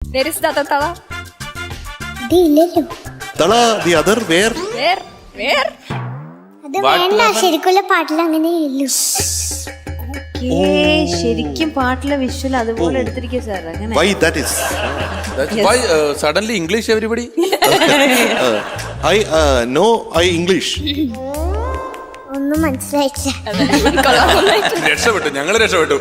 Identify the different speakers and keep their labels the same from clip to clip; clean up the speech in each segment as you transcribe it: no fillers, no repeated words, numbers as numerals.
Speaker 1: There is the Tala.
Speaker 2: ഇതില്ലല്ലോ.
Speaker 3: Tala, the other, where?
Speaker 1: Where?
Speaker 2: അത് വേണ്ട, ശരിക്കുള്ള പാട്ടിൽ അങ്ങനെ ഇല്ലു.
Speaker 4: ശരിക്കും പാട്ടിലെ വിഷ്വൽ അതുപോലെ എടുത്തിരിക്കുക സാർ. അങ്ങനെ
Speaker 3: Why that is?
Speaker 5: Why suddenly English everybody?
Speaker 3: I English.
Speaker 2: ഒന്നും മനസ്സിലായിട്ടില്ല.
Speaker 5: രക്ഷപ്പെട്ടു, ഞങ്ങള് രക്ഷപ്പെട്ടു.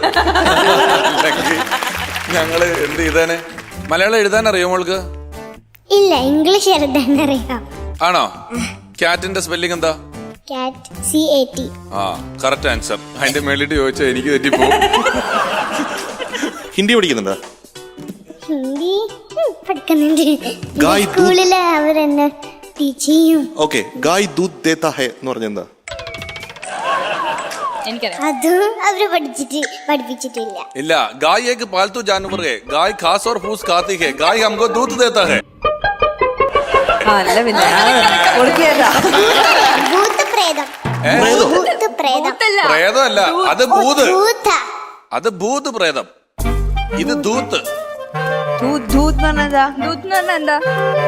Speaker 5: ഞങ്ങള് എന്ത് ചെയ്താനെ? മലയാളം എഴുതാൻ അറിയോ മോൾക്ക്?
Speaker 2: ഇല്ല, ഇംഗ്ലീഷ് എഴുതാൻ അറിയാം.
Speaker 5: ആണോ? ക്യാറ്റിന്റെ സ്പെല്ലിംഗ് എന്താ?
Speaker 2: Cat, CAT.
Speaker 5: ആ, കറക്റ്റ് ആൻസർ. അതിന്റെ മേളിട്ട് ചോദിച്ചാൽ എനിക്ക് തെറ്റിപ്പോ.
Speaker 3: ഹിന്ദി പഠിക്കുന്നുണ്ടോ?
Speaker 2: ഹിന്ദി പഠിക്കുന്നുണ്ട്.
Speaker 3: ഗായ് ദൂത്.
Speaker 2: സ്കൂളില് അവരെന്നെ ടീച്ച് ചെയ്യും.
Speaker 3: ഓക്കെ, ഗായ് ദൂത് ദേത്താ ഹെ എന്ന് പറഞ്ഞെന്താ?
Speaker 1: എനിക്കറിയാം.
Speaker 2: അതും അവര് പഠിപ്പിച്ചിട്ടില്ല.
Speaker 5: ഇല്ല, ഗായ് ഏക് പാൽത്തു ജാനവർ ഹെ, ഗായ് ഖാസ് ഓർ ഫൂസ് ഖാത്തി ഹെ, ഗായ് ഹംകോ ദൂത് ദേത്താ ഹെ.
Speaker 4: അല്ല പിന്നെ കൊടുക്കിയതാ.
Speaker 2: ഭൂത്ത് പ്രേതം. ഭൂത്ത് പ്രേതം.
Speaker 5: പ്രേതമല്ല, അത് ഭൂത്.
Speaker 2: ഭൂത.
Speaker 5: അത് ഭൂത് പ്രേതം. ഇത് ദൂത്ത്.
Speaker 4: ദൂത് പറഞ്ഞതാ.
Speaker 1: ദൂത് എന്ന് പറഞ്ഞാ എന്താ?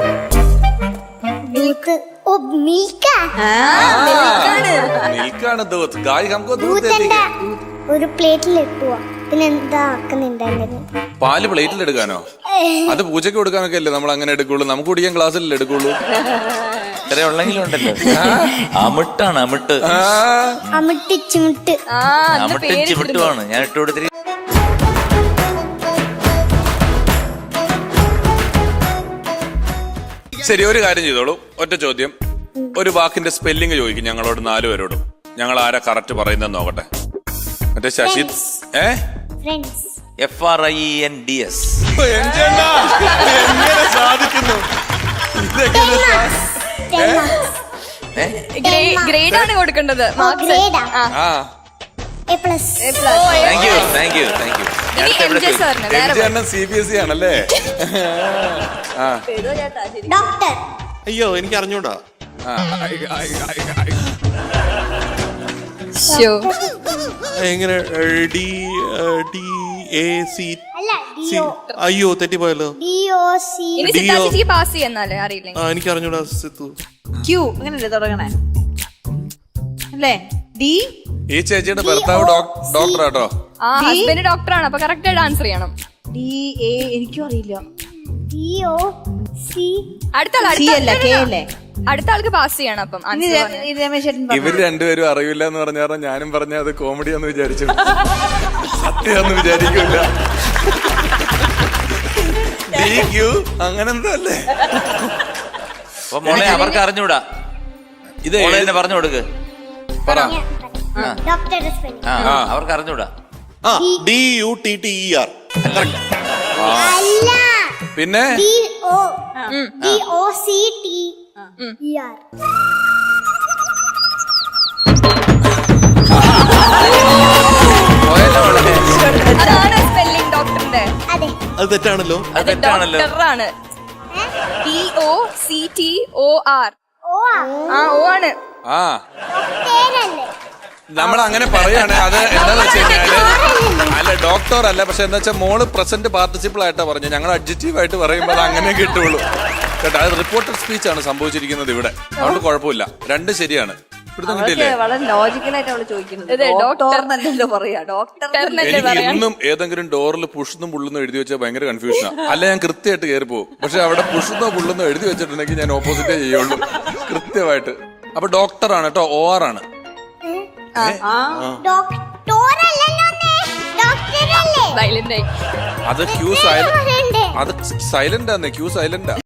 Speaker 2: ഭൂത്ത്. ഓ, മിൽക്കാ.
Speaker 5: മിൽക്കാണ് ദൂത്ത്. ഗായ് ഹംകോ ദൂത് ദേത്തി
Speaker 2: ഭൂത്തണ്ട
Speaker 5: ഹെ.
Speaker 2: ഒരു പ്ലേറ്റിൽ ഇട്ടുവാ. പിന്നെ എന്താ ആക്കുന്നുണ്ടായിരുന്നു?
Speaker 5: പാല് പ്ലേറ്റിൽ എടുക്കാനോ? അത് പൂജയ്ക്ക് കൊടുക്കാനൊക്കെ അല്ലേ നമ്മൾ അങ്ങനെ എടുക്കുള്ളൂ. നമുക്ക് കുടിക്കാൻ ഗ്ലാസ്സിലല്ലേ എടുക്കുള്ളൂ.
Speaker 6: ഇത്ര ഉള്ളെങ്കിലും ഉണ്ടല്ലോ. അമിട്ടാണ് അമിട്ട്.
Speaker 2: അമിട്ട് ചുമിട്ട്.
Speaker 6: അമിട്ടും ചിമിട്ടുമാണ് ഞാൻ ഇട്ട് കൊടുത്തിരി.
Speaker 5: ശരി, ഒരു കാര്യം ചെയ്തോളൂ. ഒറ്റ ചോദ്യം. ഒരു വാക്കിന്റെ സ്പെല്ലിംഗ് ചോദിക്കും ഞങ്ങളോട് 4 പേരോടും. ഞങ്ങൾ ആരാ കറക്റ്റ് പറയുന്നത് നോക്കട്ടെ. മറ്റേ ശശി
Speaker 2: ഫ്രണ്ട്സ്.
Speaker 6: FRIENDS.
Speaker 5: എങ്ങനെ സാധിക്കുന്നു?
Speaker 1: ഗ്രേഡ് ആണ് കൊടുക്കേണ്ടത്.
Speaker 2: ഗ്രേഡാ.
Speaker 5: ആ,
Speaker 2: A plus.
Speaker 6: Thank you.
Speaker 5: CBSE ആണല്ലേ?
Speaker 2: ഡോക്ടർ.
Speaker 3: അയ്യോ, എനിക്ക് അറിഞ്ഞൂടാ. എങ്ങനെ DAC?
Speaker 2: അല്ല, DO.
Speaker 3: അയ്യോ, തെറ്റിപ്പോയല്ലോ.
Speaker 2: DOC.
Speaker 1: ഇനി സിദ്ധാർത്ഥിക്ക് പാസ് ചെയ്യാന്നാലേ അറിയില്ലെങ്കിൽ.
Speaker 3: എനിക്ക് അറിഞ്ഞൂടാ സിത്തു.
Speaker 4: ക്യൂ അങ്ങനല്ലേ തുടങ്ങണേ അല്ലേ? ഡി.
Speaker 5: ഈ ചേച്ചിയുടെ ഭർത്താവ് ഡോക്ടർ ആട്ടോ.
Speaker 1: ഹസ്ബൻഡ് ഡോക്ടറാണ്, അപ്പൊ കറക്റ്റ് ആയിട്ട് ആൻസർ ചെയ്യണം.
Speaker 4: DA എനിക്കും അറിയില്ല.
Speaker 2: DOC.
Speaker 1: അടുത്ത ആൾക്ക് പാസ് ചെയ്യണം. അപ്പം
Speaker 5: ഇവര് രണ്ടുപേരും അറിയില്ല എന്ന് പറഞ്ഞ ഞാനും പറഞ്ഞ അത് കോമഡിയാന്ന് വിചാരിച്ചു. സത്യാന്ന് വിചാരിക്കില്ല. DQ അങ്ങനെന്തോ അല്ലേ?
Speaker 6: അപ്പൊ മോളെ അവർക്ക് അറിഞ്ഞൂടാ.
Speaker 5: ഇത്
Speaker 6: തന്നെ പറഞ്ഞു കൊടുക്ക്.
Speaker 5: പറ.
Speaker 2: ഡോക്ടറുടെ സ്പെല്ലിംഗ്.
Speaker 6: അവർക്ക് അറിഞ്ഞൂടാ.
Speaker 3: DUTTER.
Speaker 2: അല്ല,
Speaker 5: പിന്നെ
Speaker 2: DOCTER.
Speaker 1: അതാണ് സ്പെല്ലിംഗ് ഡോക്ടറിന്റെ.
Speaker 2: അതെ.
Speaker 3: അത് തെറ്റാണല്ലോ.
Speaker 6: അത് തെറ്റാണല്ലോ.
Speaker 1: ഡോക്ടറാണ്. DOCTOR.
Speaker 2: ഓ
Speaker 1: ഓ ആണ്.
Speaker 5: ആ,
Speaker 2: ഡോക്ടറല്ലേ?
Speaker 5: നമ്മൾ അങ്ങനെ പറയാണ്. അത് എന്താന്ന് വെച്ച് കഴിഞ്ഞാല് അല്ല ഡോക്ടർ അല്ല. പക്ഷെ എന്താ വെച്ചാൽ മോള് പ്രസന്റ് പാർട്ടിസിപ്പിൾ ആയിട്ടാ പറഞ്ഞു. ഞങ്ങൾ അഡ്ജക്റ്റീവ് ആയിട്ട് പറയുമ്പോൾ അത് അങ്ങനെ കിട്ടുള്ളൂ കേട്ടോ. അത് റിപ്പോർട്ടഡ് സ്പീച്ച് ആണ് സംഭവിച്ചിരിക്കുന്നത് ഇവിടെ. അതുകൊണ്ട് കുഴപ്പമില്ല, 2 ശരിയാണ്. ഇവിടുന്ന് കിട്ടിയില്ലേ?
Speaker 4: വളരെ ലോജിക്കലായിട്ട് അവള് ചോദിക്കുന്നത്. ഡോക്ടർ പറയാ. ഡോക്ടർ
Speaker 5: എനിക്ക് ഇന്നും ഏതെങ്കിലും ഡോറിൽ പുഷുന്നും പുള്ളുന്നും എഴുതി വെച്ചാൽ ഭയങ്കര കൺഫ്യൂഷനാ. അല്ല, ഞാൻ കൃത്യമായിട്ട് കയറി പോകും. പക്ഷെ അവിടെ പുഷുന്നോ പുള്ളുന്നോ എഴുതി വെച്ചിട്ടുണ്ടെങ്കിൽ ഞാൻ ഓപ്പോസിറ്റേ ചെയ്യുള്ളൂ കൃത്യമായിട്ട്. അപ്പൊ ഡോക്ടറാണ് കേട്ടോ. OR ആണ്.
Speaker 1: സൈലന്റ് ആയി.
Speaker 5: അത് ക്യൂ സൈലന്റ്. അത് സൈലന്റ് ആണ്. ക്യൂ സൈലന്റാ.